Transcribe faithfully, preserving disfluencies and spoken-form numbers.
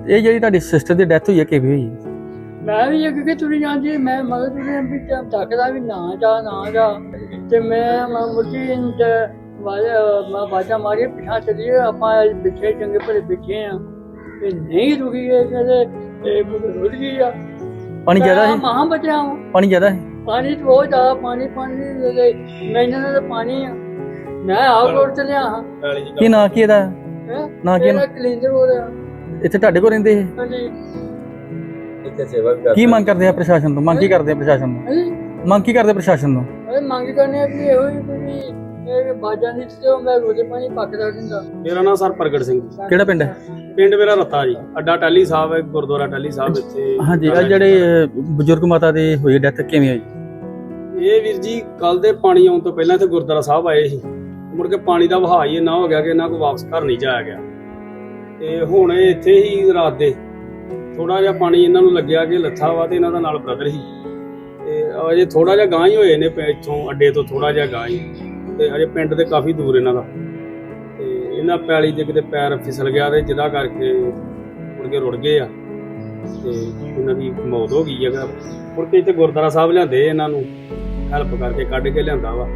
ਇਹ ਜਿਹੜੀ ਤੁਹਾਡੀ ਸਿਸਟਰ ਦੀ ਡੈਥ ਹੋਈ ਹੈ ਕਿਵੇਂ ਹੋਈ? ਮੈਂ ਵੀ ਅੱਗੇ ਕਿ ਤੁਰੀ ਜਾਂਦੀ ਮੈਂ ਮਗਰ ਤੁਰੀ ਵੀ ਤੱਕਦਾ ਵੀ ਨਾ ਜਾ ਨਾ ਜਾ ਤੇ ਮੈਂ ਮੁਰਗੀ ਮੈਂ ਬਾਜਾ ਮਾਰੀ ਪਿਛਾ ਚਲੀਏ ਆਪਾਂ ਬਿਠੇ ਚੰਗੇ ਭਲੇ ਬਿਠੇ ਆ ਤੇ ਨਹੀਂ ਰੁਕੀ ਇਹ ਕਹਿੰਦੇ ਇਹ ਰੁੜ ਗਈ ਆ। ਪਾਣੀ ਜ਼ਿਆਦਾ ਹੈ? ਮਹਾਂ ਬਚਿਆ ਪਾਣੀ ਜ਼ਿਆਦਾ ਹੈ? ਪਾਣੀ ਤਾਂ ਬਹੁਤ ਜ਼ਿਆਦਾ ਪਾਣੀ ਪਾਣੀ ਮੈਨੂੰ ਤਾਂ ਪਾਣੀ ਆ ਮੈਂ ਆਪ ਰੋਡ ਤੇ ਲਿਆ ਹਾਂ। ਕੀ ਨਾਂ ਕੀ ਇਹਦਾ? ਨਾਂ ਕੀ? ਕਲਿੰਦਰ ਹੋ ਰਿਹਾ। ਇੱਥੇ ਤੁਹਾਡੇ ਕੋਲ ਰਹਿੰਦੇ ਇਹ? ਹਾਂਜੀ। ਇੱਥੇ ਸੇਵਾ ਵੀ ਕਰਦੇ। ਕੀ ਮੰਗ ਕਰਦੇ ਆ ਪ੍ਰਸ਼ਾਸਨ ਤੋਂ? ਮੰਗ ਕੀ ਕਰਦੇ ਆ ਪ੍ਰਸ਼ਾਸਨ ਤੋਂ? ਮੰਗ ਕੀ ਕਰਦੇ ਪ੍ਰਸ਼ਾਸਨ ਤੋਂ? ਅਰੇ ਮੰਗ ਕਰਨੇ ਆ ਵੀ ਇਹੋ ਹੀ ਵੀ ਇਹ ਬਾਜਾਂ ਦੀ ਤੇ ਮੈਂ ਰੋਜ਼ੇ ਪਾਣੀ ਪੱਕਦਾ ਦਿੰਦਾ। ਮੇਰਾ ਨਾਮ ਸਰ ਪ੍ਰਗਟ ਸਿੰਘ। ਕਿਹੜਾ ਪਿੰਡ ਹੈ? ਪਿੰਡ ਮੇਰਾ ਰੱਤਾ ਜੀ। ਅੱਡਾ ਟਾਹਲੀ ਸਾਹਿਬ ਹੈ, ਗੁਰਦੁਆਰਾ ਟਾਹਲੀ ਸਾਹਿਬ ਇੱਥੇ। ਹਾਂਜੀ, ਆ ਜਿਹੜੇ ਬਜ਼ੁਰਗ ਮਾਤਾ ਦੀ ਹੋਈ ਡੈਥ ਕਿਵੇਂ ਹੋਈ? ਇਹ ਵੀਰ ਜੀ ਕੱਲ ਦੇ ਪਾਣੀ ਆਉਣ ਤੋਂ ਪਹਿਲਾਂ ਇੱਥੇ ਗੁਰਦੁਆਰਾ ਸਾਹਿਬ ਆਏ ਸੀ, ਮੁੜ ਕੇ ਪਾਣੀ ਦਾ ਵਹਾਅ ਹੀ ਇੰਨਾ ਹੋ ਗਿਆ ਕਿ ਇਹਨਾਂ ਕੋਲ ਵਾਪਸ ਘਰ ਨਹੀਂ ਜਾਇਆ ਗਿਆ ਤੇ ਹੁਣ ਇਹ ਇੱਥੇ ਹੀ ਰਾਤ ਦੇ ਥੋੜਾ ਜਿਹਾ ਪਾਣੀ ਇਹਨਾਂ ਨੂੰ ਲੱਗਿਆ ਕਿ ਲੱਥਾ ਵਾ ਤੇ ਇਹਨਾਂ ਦਾ ਨਾਲ ਬ੍ਰਦਰ ਸੀ ਤੇ ਅਜੇ ਥੋੜਾ ਜਿਹਾ ਗਾਂ ਹੀ ਹੋਏ ਨੇ ਇੱਥੋਂ ਅੱਡੇ ਤੋਂ ਥੋੜਾ ਜਿਹਾ ਗਾਂ ਹੀ ਤੇ ਅਜੇ ਪਿੰਡ ਦੇ ਕਾਫੀ ਦੂਰ ਇਹਨਾਂ ਦਾ ਤੇ ਇਹਨਾਂ ਪੈਲੀ ਦੇ ਕਿਤੇ ਪੈਰ ਫਿਸਲ ਗਿਆ ਤੇ ਜਿਹਦਾ ਕਰਕੇ ਮੁੜ ਕੇ ਰੁੜ ਗਏ ਆ ਤੇ ਇਹਨਾਂ ਦੀ ਮੌਤ ਹੋ ਗਈ ਹੈਗਾ। ਮੁੜ ਕੇ ਇੱਥੇ ਗੁਰਦੁਆਰਾ ਸਾਹਿਬ ਲਿਆਂਦੇ ਇਹਨਾਂ ਨੂੰ ਹੈਲਪ ਕਰਕੇ ਕੱਢ ਕੇ ਲਿਆਂਦਾ ਵਾ।